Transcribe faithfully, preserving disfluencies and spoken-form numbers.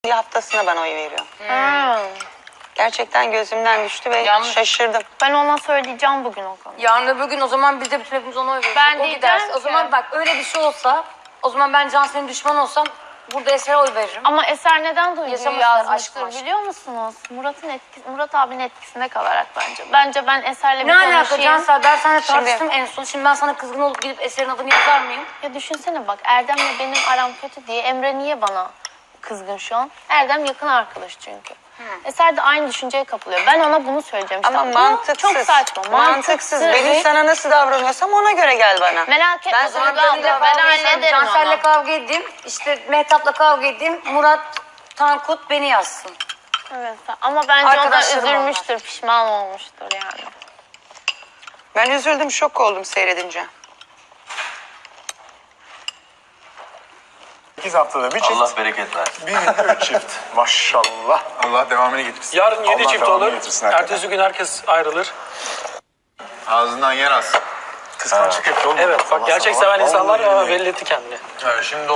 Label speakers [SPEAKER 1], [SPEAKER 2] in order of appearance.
[SPEAKER 1] haftasına ben oy veriyorum.
[SPEAKER 2] Hmm.
[SPEAKER 1] Gerçekten gözümden düştü ve
[SPEAKER 3] Yalnız-
[SPEAKER 1] şaşırdım.
[SPEAKER 2] Ben ona söyleyeceğim bugün o konuyu.
[SPEAKER 3] Yarın öbür gün o zaman biz de bütün hepimiz ona oy veririz.
[SPEAKER 2] Ben
[SPEAKER 3] o
[SPEAKER 2] diyeceğim
[SPEAKER 3] giderse.
[SPEAKER 2] ki-
[SPEAKER 3] O zaman bak öyle bir şey olsa o zaman ben Cansel'in düşmanı olsam burada Eser'e oy veririm.
[SPEAKER 2] Ama Eser neden duyguyu
[SPEAKER 3] Yaşamışlar,
[SPEAKER 2] yazmıştır
[SPEAKER 3] aşk maşk.
[SPEAKER 2] biliyor musunuz? Murat'ın etkisi, Murat abinin etkisinde kalarak bence. Bence ben Eser'le bir
[SPEAKER 3] Ne alaka
[SPEAKER 2] konuşayım.
[SPEAKER 3] Cansel? Ben seninle
[SPEAKER 1] Şimdi-
[SPEAKER 3] tartıştım en son. Şimdi ben sana kızgın olup gidip Eser'in adını yazar mıyım?
[SPEAKER 2] Ya düşünsene bak Erdem'le benim aram kötü diye Emre niye bana kızgın şu an? Erdem yakın arkadaş çünkü. Eser de aynı düşünceye kapılıyor. Ben ona bunu söyleyeceğim. İşte
[SPEAKER 1] Ama
[SPEAKER 2] bu
[SPEAKER 1] mantıksız.
[SPEAKER 2] Çok saçma.
[SPEAKER 1] Mantıksız. Benim
[SPEAKER 2] Evet.
[SPEAKER 1] sana nasıl davranıyorsam ona göre gel bana.
[SPEAKER 2] Merak etme
[SPEAKER 1] Ben
[SPEAKER 2] Duygu
[SPEAKER 1] sana
[SPEAKER 2] abla,
[SPEAKER 1] böyle
[SPEAKER 2] ben
[SPEAKER 1] davranıyorum.
[SPEAKER 2] hallederim
[SPEAKER 3] Cansel'le
[SPEAKER 2] onu.
[SPEAKER 3] kavga edeyim. İşte Mehtap'la kavga edeyim. Murat Tankut beni yazsın.
[SPEAKER 2] Evet, ama bence o da
[SPEAKER 3] Arkadaşlarım
[SPEAKER 2] üzülmüştür, pişman olmuştur yani.
[SPEAKER 1] Ben üzüldüm, şok oldum seyredince.
[SPEAKER 4] sekiz haftada bir çift.
[SPEAKER 5] Allah bereket versin.
[SPEAKER 4] Bir günde üç çift. Maşallah. Allah devamını getirsin.
[SPEAKER 6] Yarın yedi
[SPEAKER 4] Allah
[SPEAKER 6] çift
[SPEAKER 4] devamını
[SPEAKER 6] olur.
[SPEAKER 4] getirsin hakikaten.
[SPEAKER 6] Ertesi gün herkes ayrılır.
[SPEAKER 5] Ağzından yer az.
[SPEAKER 4] Kıskançlık yapıyor oğlum.
[SPEAKER 6] Evet
[SPEAKER 4] Allah
[SPEAKER 6] bak gerçek
[SPEAKER 4] sana.
[SPEAKER 6] seven insanlar
[SPEAKER 4] Vallahi
[SPEAKER 6] ama
[SPEAKER 4] billahi.
[SPEAKER 6] belli etti kendini.
[SPEAKER 5] Yani şimdi